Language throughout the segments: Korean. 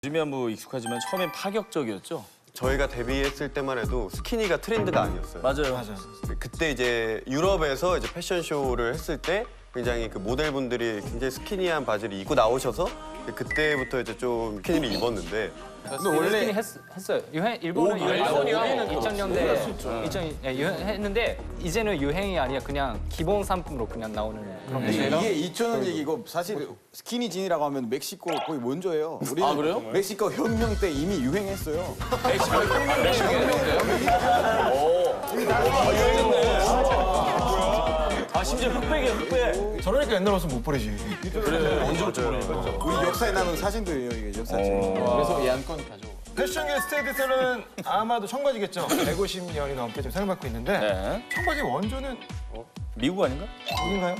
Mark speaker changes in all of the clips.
Speaker 1: 요즘이야 뭐 익숙하지만 처음엔 파격적이었죠?
Speaker 2: 저희가 데뷔했을 때만 해도 스키니가 트렌드가 아니었어요.
Speaker 1: 맞아요.
Speaker 2: 그때 이제 유럽에서 이제 패션쇼를 했을 때 굉장히 그 모델분들이 굉장히 스키니한 바지를 입고 나오셔서 그때부터 이제 좀 스키니를 입었는데
Speaker 3: 근데 원래 했어요. 일본은 유행이야. 2000년대 유행했는데 이제는 유행이 아니라 그냥 기본 상품으로 그냥 나오는 그런
Speaker 4: 이게
Speaker 3: 거예요.
Speaker 4: 2000년 얘기고 사실 스키니진이라고 하면 멕시코 거의 먼저예요. 우리는
Speaker 1: 아, 그래요?
Speaker 4: 멕시코 혁명 때 이미 유행했어요.
Speaker 1: 아 심지어 흑백이야 흑백.
Speaker 5: 저러니까 옛날 옷은 못 버리지.
Speaker 4: 우리 역사에 남은 사진들이에요, 이게 역사책.
Speaker 3: 그래서 예안권 가져.
Speaker 5: 패션계 스테이트셀러는 아마도 청바지겠죠. 150년이 넘게 좀 사용받고 있는데
Speaker 1: 네.
Speaker 5: 청바지 원조는
Speaker 1: 미국 아닌가?
Speaker 5: 어딘가요?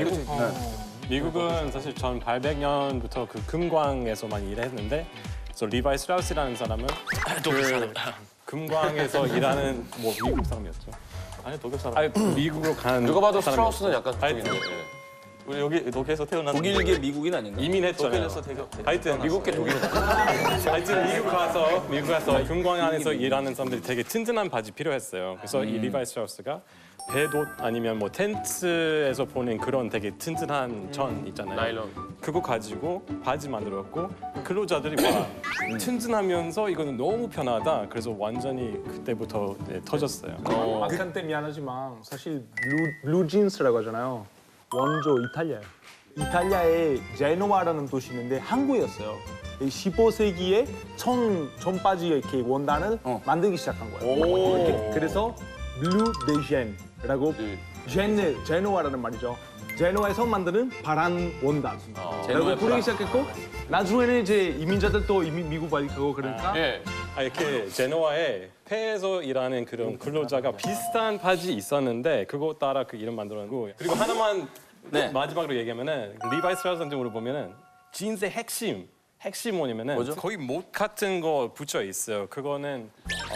Speaker 6: 미국은 사실 1800년부터 그 금광에서 많이 일했는데 그래서 리바이 스트라우스라는 사람은 그 금광에서 일하는 뭐 미국 사람이었죠.
Speaker 7: 아니 독일 사람.
Speaker 6: 아니 미국으로 간
Speaker 7: 누가 봐도
Speaker 6: 사람이었어요.
Speaker 7: 스트라우스는 약간 그쪽인데. 우리 여기 독일에서 태어난
Speaker 1: 독일계 미국인 아닌가?
Speaker 6: 이민했잖아요.
Speaker 7: 독일에서
Speaker 6: 하여튼 미국계 독일. 하여튼 미국 가서 금광 안에서 일하는 사람들이 되게 튼튼한 바지 필요했어요. 그래서 이 리바이 스트라우스가 배옷 아니면 뭐 텐트에서 보는 그런 되게 튼튼한 전 있잖아요.
Speaker 7: 나일론.
Speaker 6: 그거 가지고 바지 만들었고 근로자들이 와 튼튼하면서 이거는 너무 편하다. 그래서 완전히 그때부터 터졌어요.
Speaker 8: 막한 때 미안하지만 사실 블루진스라고 하잖아요. 원조 이탈리아예요. 이탈리아에 제노아라는 도시 있는데 항구였어요. 15세기에 청바지 이렇게 원단을 만들기 시작한 거예요. 이렇게. 그래서 블루 데젠이라고 제노아라는 말이죠. 제노아에서 만드는 파란 원단. 라고 부르기 시작했고 나중에는 이제 이민자들도 이미 미국 가고 그러니까
Speaker 7: 예.
Speaker 6: 이렇게 제노아에 폐에서 일하는 그런 근로자가 비슷한 바지 있었는데 그거 따라 그 이름 만들었고 그리고 하나만 마지막으로 얘기하면은 리바이 스트라우스한테 물어보면은 진스의 핵심 뭐냐면은 거기 못 같은 거 붙여 있어요. 그거는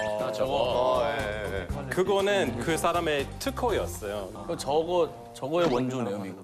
Speaker 6: 그거는 그 사람의 특허였어요.
Speaker 1: 저거의 원조네요 미국.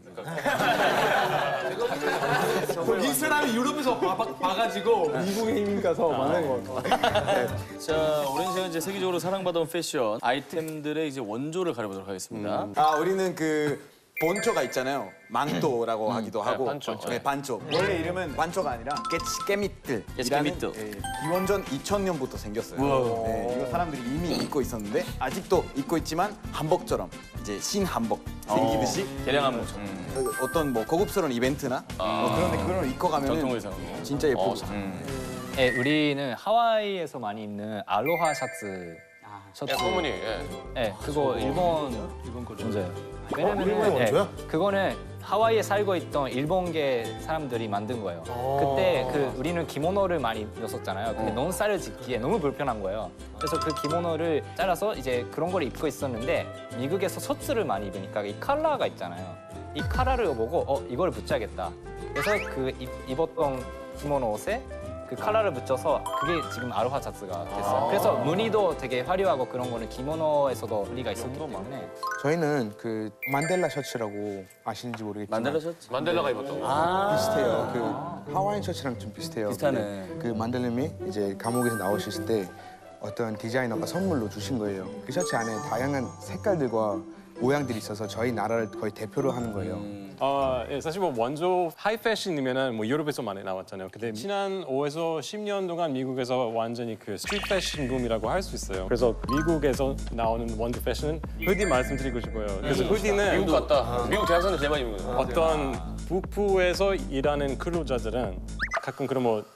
Speaker 8: 이 사람이 유럽에서 봐가지고 미국에 이민 가서 만든 거.
Speaker 1: 자 오랜 시간 이제 세계적으로 사랑받아온 패션 아이템들의 이제 원조를 가려보도록 하겠습니다.
Speaker 4: 우리는 그 본초가 있잖아요. 망토라고 하기도 하고.
Speaker 7: 반초.
Speaker 4: 네, 반초. 원래 이름은 반초가 아니라 깨미틀이라는 기원전 2000년부터 생겼어요. 네, 이거 사람들이 이미 입고 있었는데 아직도 입고 있지만 한복처럼 이제 신한복 생기듯이
Speaker 1: 대량 한복처럼.
Speaker 4: 어떤 뭐 고급스러운 이벤트나 뭐 그런데 그걸 입고
Speaker 1: 전통
Speaker 4: 가면
Speaker 1: 의상으로.
Speaker 4: 진짜 예쁘고.
Speaker 3: 네, 우리는 하와이에서 많이 입는 알로하 셔츠.
Speaker 7: 소문이. 예.
Speaker 3: 네, 그거 일본 거 원조예요. 왜냐면은
Speaker 5: 일본 원조야?
Speaker 3: 그거는 하와이에 살고 있던 일본계 사람들이 만든 거예요. 그때 우리는 기모노를 많이 입었었잖아요. 근데 너무 쌀을 짓기에 너무 불편한 거예요. 그래서 그 기모노를 잘라서 이제 그런 걸 입고 있었는데 미국에서 셔츠를 많이 입으니까 이 컬러가 있잖아요. 이 컬러를 보고 이걸 붙여야겠다. 그래서 그 입었던 기모노 옷에 그 컬러를 붙여서 그게 지금 아로하 셔츠가 됐어요. 그래서 무늬도 되게 화려하고 그런 거는 기모노에서도 무늬가 있었기 때문에
Speaker 9: 저희는 그 만델라 셔츠라고 아시는지 모르겠지만
Speaker 1: 만델라 셔츠?
Speaker 7: 만델라가 입었던 거.
Speaker 9: 비슷해요. 그 하와이안 셔츠랑 좀 비슷해요.
Speaker 1: 비슷하네.
Speaker 9: 근데 그 만델님이 이제 감옥에서 나오셨을 때 어떤 디자이너가 선물로 주신 거예요. 그 셔츠 안에 다양한 색깔들과 모양들이 있어서 저희 나라를 거의 대표로 하는 거예요.
Speaker 6: 예, 사실 뭐 원조 하이 패션이면은 뭐 유럽에서 많이 나왔잖아요. 근데 지난 5에서 10년 동안 미국에서 완전히 그 스트리트 패션 붐이라고 할 수 있어요. 그래서 미국에서 나오는 원조 패션은 후디 말씀드리고 싶어요. 그래서 후디는
Speaker 7: 미국 갔다. 미국 대학생들 제일 많이 입는 거예요.
Speaker 6: 어떤 북부에서 일하는 근로자들은 가끔 그런 뭐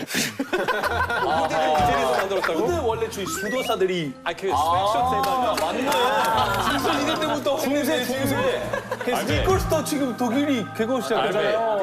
Speaker 6: 후디를 이태리에서 만들었다고?
Speaker 8: 근데 원래 저희 수도사들이
Speaker 6: 그 스웨트셔츠에다가
Speaker 8: 맞네. 이럴 때부터 중세. 스니커스도 지금 독일이 개고 시작했잖아요.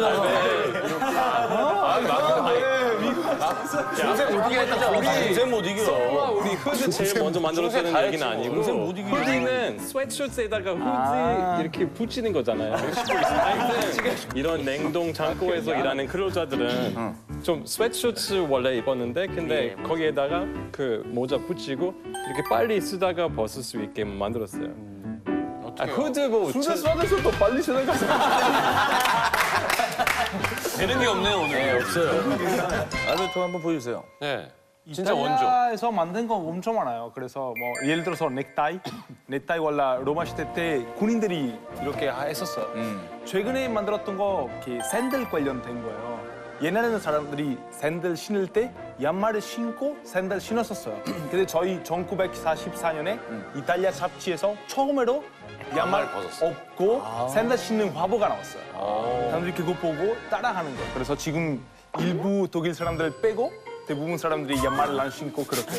Speaker 7: 요새 못 이기겠다.
Speaker 1: 동생 못 이겨.
Speaker 6: 우리 후드 제일 먼저 만들었다는
Speaker 7: 다
Speaker 6: 얘기는
Speaker 7: 했지,
Speaker 6: 아니고
Speaker 1: 동생 못 이겨.
Speaker 6: 후디는 스웨트셔츠에다가 후드 이렇게 붙이는 거잖아요. 하여튼 이런 냉동 창고에서 일하는 근로자들은 좀 스웨트셔츠 원래 입었는데 근데 거기에다가 그 모자 붙이고 이렇게 빨리 쓰다가 벗을 수 있게 만들었어요. 후드 뭐
Speaker 8: 수도사에서 더 빨리 생각하세요.
Speaker 7: 되는 게 없네요 오늘.
Speaker 1: 네, 없어요. 알베르토 한번 보여주세요.
Speaker 7: 네. 진짜 원조.
Speaker 8: 이탈리아에서 만든 거 엄청 많아요. 그래서 뭐 예를 들어서 넥타이 원래 로마 시대 때 군인들이 이렇게 했었어요. 최근에 만들었던 거 이렇게 샌들 관련된 거예요. 옛날에는 사람들이 샌들 신을 때 양말을 신고 샌들 신었었어요. 근데 저희 1944년에 이탈리아 잡지에서 처음으로 양말 없고 샌들 신는 화보가 나왔어요. 사람들이 그거 보고 따라하는 거예요. 그래서 지금 일부 독일 사람들 빼고 대부분 사람들이 양말을 안 신고 그렇게.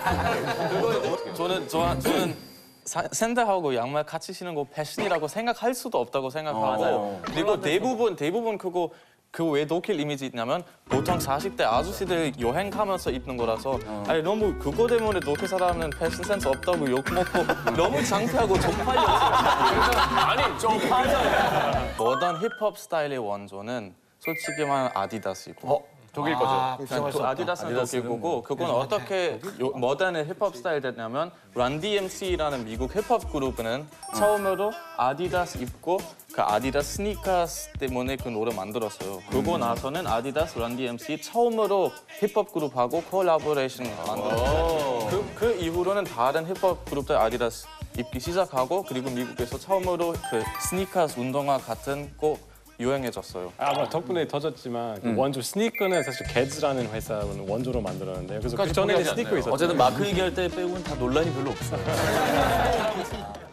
Speaker 10: 저는 샌들하고 양말 같이 신는 거 패션이라고 생각할 수도 없다고 생각하고 그리고 대부분 그거 왜 독일 이미지 있냐면 보통 40대 아저씨들 여행 가면서 입는 거라서 아니 너무 그거 때문에 독일 사람은 패션 센스 없다고 욕먹고 너무 창피하고 쪽팔려서
Speaker 7: 아니 좀
Speaker 10: 모던 힙합 스타일의 원조는 솔직히 말하면 아디다스이고
Speaker 7: 독일 거죠.
Speaker 10: 아디다스는 독일 거고 그건 어떻게 모던 힙합 스타일 됐냐면 런 DMC라는 미국 힙합 그룹은 처음으로 아디다스 입고 그 아디다스 스니커스 때문에 그 노래 만들었어요. 그러고 나서는 아디다스 런 DMC 처음으로 힙합 그룹하고 콜라보레이션 만들었어요. 그 이후로는 다른 힙합 그룹들 아디다스 입기 시작하고 그리고 미국에서 처음으로 그 스니커스 운동화 같은 거 유행해졌어요.
Speaker 6: 아마 덕분에 터졌지만 그 원조 스니커는 사실 게즈라는 회사는 원조로 만들었는데요. 그래서 그 전에는 스니커 있었죠.
Speaker 1: 어쨌든 마크 얘기할 때 빼고는 다 논란이 별로 없어요.